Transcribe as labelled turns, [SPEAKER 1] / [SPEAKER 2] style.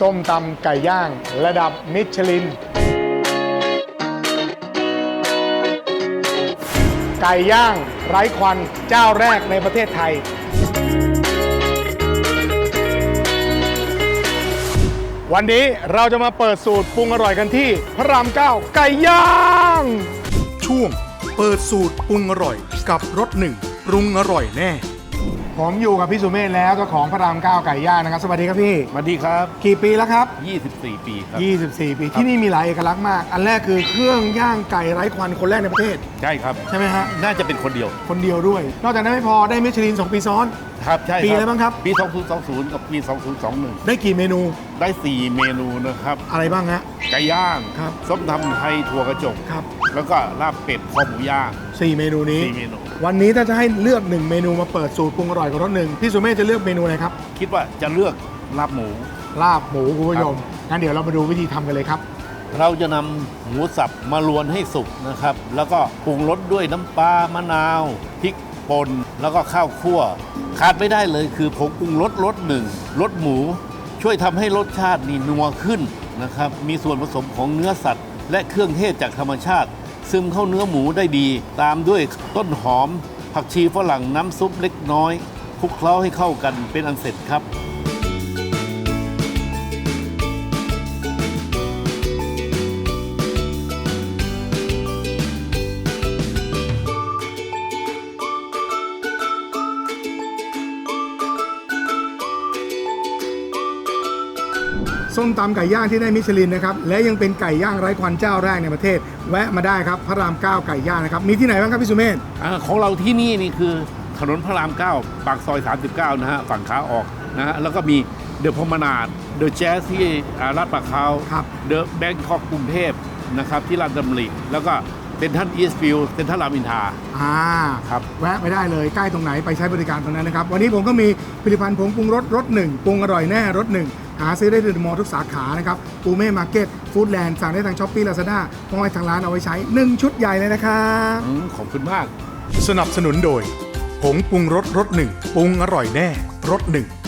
[SPEAKER 1] ส้มตำไก่ย่างระดับมิชลินไก่ย่างไร้ควันเจ้าแรกในประเทศไทยวันนี้เราจะมาเปิดสูตรปรุงอร่อยกันที่พระราม 9 ไก่ย่างช่วงเปิดสูตรปรุงอร่อยกับรสหนึ่งปรุงอร่อยแน่ผมอยู่กับพี่สุเมธแล้วเจ้าของพระราม 9 ไก่ย่างนะครับสวัสดีครับพี่
[SPEAKER 2] สวัสดีครับ
[SPEAKER 1] กี่ปีแล้วครับ
[SPEAKER 2] 24 ปีครับ
[SPEAKER 1] 24 ปีที่นี่มีหลายเอกลักษณ์มาก อันแรกคือเครื่องย่างไก่ไร้ควันคนแรกในประเทศ
[SPEAKER 2] ใช่ครับ
[SPEAKER 1] ใช่ไหมฮะ
[SPEAKER 2] น่าจะเป็นคนเดียว
[SPEAKER 1] คนเดียวด้วย นอกจากนั้นไม่พอได้มิชลิน 2 ปีซ้อน
[SPEAKER 2] ครับ ใช่
[SPEAKER 1] ปีอะไรบ้างครับ
[SPEAKER 2] ปี 2020 กับปี 2021
[SPEAKER 1] ได้กี่เมนู
[SPEAKER 2] ได้ 4 เมนูนะครับ
[SPEAKER 1] อะไรบ้างฮะ
[SPEAKER 2] ไก่ย่าง
[SPEAKER 1] ครับ
[SPEAKER 2] ส้มตำไทยถั่วกระจก
[SPEAKER 1] ครับ
[SPEAKER 2] แล้วก็ลาบเป็ดคอหมูย่าง
[SPEAKER 1] 4 เมนูนี้
[SPEAKER 2] 4 เมนู
[SPEAKER 1] วันนี้ถ้าจะให้เลือก 1 เมนูมาเปิดสูตรปรุงอร่อยกับรสหนึ่งพี่สุเมธจะเลือกเมนูอะไรครับ
[SPEAKER 2] คิดว่าจะเลือกลาบหมู
[SPEAKER 1] ลาบหมูคุณผู้ชมงั้นเดี๋ยวเรามาดูวิธีทำกันเลยครับ
[SPEAKER 2] เราจะนำหมูสับมาลวนให้สุกนะครับ แล้วก็ปรุงรสด้วยน้ำปลามะนาวพริกป่นแล้วก็ข้าวคั่ว ขาดไม่ได้เลยคือผงปรุงรสหนึ่งรสหมู ช่วยทำให้รสชาตินี่นัวขึ้นนะครับ มีส่วนผสมของเนื้อสัตว์ และเครื่องเทศจากธรรมชาติ ซึมเข้าเนื้อหมูได้ดี ตามด้วยต้นหอม ผักชีฝรั่งน้ำซุปเล็กน้อยคลุกเคล้าให้เข้ากันเป็นอันเสร็จครับ
[SPEAKER 1] ส้มตำไก่ย่างที่ได้มิชลินนะครับและยังเป็นไก่ย่างไร้ควันเจ้าแรกในประเทศ แวะมาได้ครับพระราม 9 ไก่ย่างนะครับมีที่ไหนบ้างครับพี่สุเมธ
[SPEAKER 2] ของเราที่นี่คือถนนพระราม 9 ปากซอย 39 นะฮะ ฝั่งขาออกนะฮะ แล้วก็มีเดอะพมนาดเดอะแจ๊สที่ลาดปะเขาเดอะแบงคอกกรุงเทพนะครับที่ลาดดำริแล้วก็เซ็นทรัลอีสต์ฟิลด์เซ็นทรัลรามอินทราครับ
[SPEAKER 1] แวะไปได้เลยใกล้ตรงไหนไปใช้บริการตรงนั้นนะครับวันนี้ผมก็มีผลิตภัณฑ์ผงปรุงรสรสหนึ่งปรุงอร่อยแน่รสหนึ่งหาซื้อได้ที่เดอะมอลล์ทุกสาขานะครับปูเม่มาร์เก็ตฟู้ดแลนด์สั่งได้ทางช้อปปี้ลาซาด้ามอยทางร้านเอาไว้ใช้1ชุดใหญ่เลยนะครับ
[SPEAKER 2] ขอบคุณมาก
[SPEAKER 1] สนับสนุนโดยผงปรุงรสรสหนึ่งปรุงอร่อยแน่รสหนึ่ง